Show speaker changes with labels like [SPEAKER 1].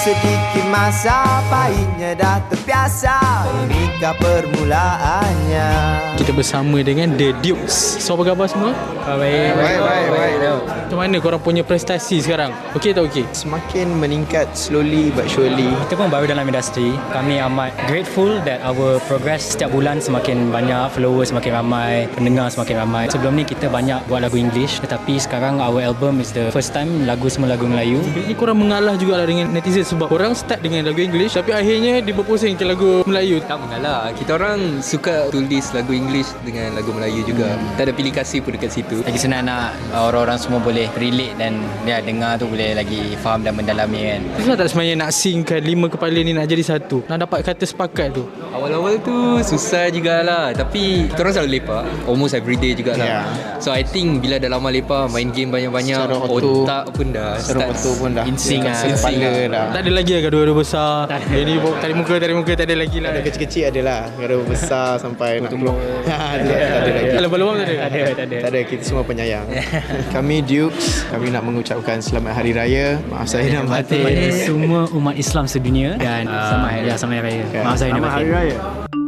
[SPEAKER 1] sedikit masa, pahitnya dah terbiasa. Inikah permulaannya.
[SPEAKER 2] Kita bersama dengan The Dukes. So apa khabar semua?
[SPEAKER 3] Baik.
[SPEAKER 2] Macam mana korang punya prestasi sekarang? Okey tak okey?
[SPEAKER 1] Semakin meningkat slowly but surely.
[SPEAKER 3] Kita pun baru dalam industri. Kami amat grateful that our progress setiap bulan semakin banyak, followers semakin ramai, pendengar semakin ramai. Sebelum ni kita banyak buat lagu English, tetapi sekarang our album is the first time lagu semua lagu Melayu.
[SPEAKER 2] Ini korang mengalah jugalah dengan netizen sebab korang start dengan lagu English tapi akhirnya dia berpusing ke lagu Melayu.
[SPEAKER 4] Tak mengalah. Kita orang suka tulis lagu English dengan lagu Melayu juga. Tak ada pilih kasih pun dekat situ.
[SPEAKER 5] Lagi senang nak orang-orang semua boleh relate dan dia dengar tu boleh lagi faham dan mendalami kan.
[SPEAKER 2] Susah tak sebenarnya nak synckan 5 kepala ni nak jadi satu? Nak dapat kata sepakat tu?
[SPEAKER 4] Awal-awal tu susah jugalah. Tapi kita orang selalu lepak. Almost everyday jugalah. So I think bila dah lama lepak, main game banyak-banyak,
[SPEAKER 1] Secara auto,
[SPEAKER 4] otak pun dah
[SPEAKER 1] secara auto pun dah
[SPEAKER 5] insting lah.
[SPEAKER 1] kepala dah.
[SPEAKER 2] Tak ada lagi lah gaduh-gaduh besar. Ini tarik muka tak ada lagi lah.
[SPEAKER 1] Ada kecil-kecil adalah. Gaduh besar sampai nak keluar. Tak ada lagi.
[SPEAKER 2] Lembab-lembab tak ada?
[SPEAKER 1] Tak ada, kita semua penyayang. Kami Dukes, kami nak mengucapkan selamat Hari Raya. Maaf saya dan batin.
[SPEAKER 3] Kepada semua umat Islam sedunia dan selamat Hari Raya. Maaf saya dan batin.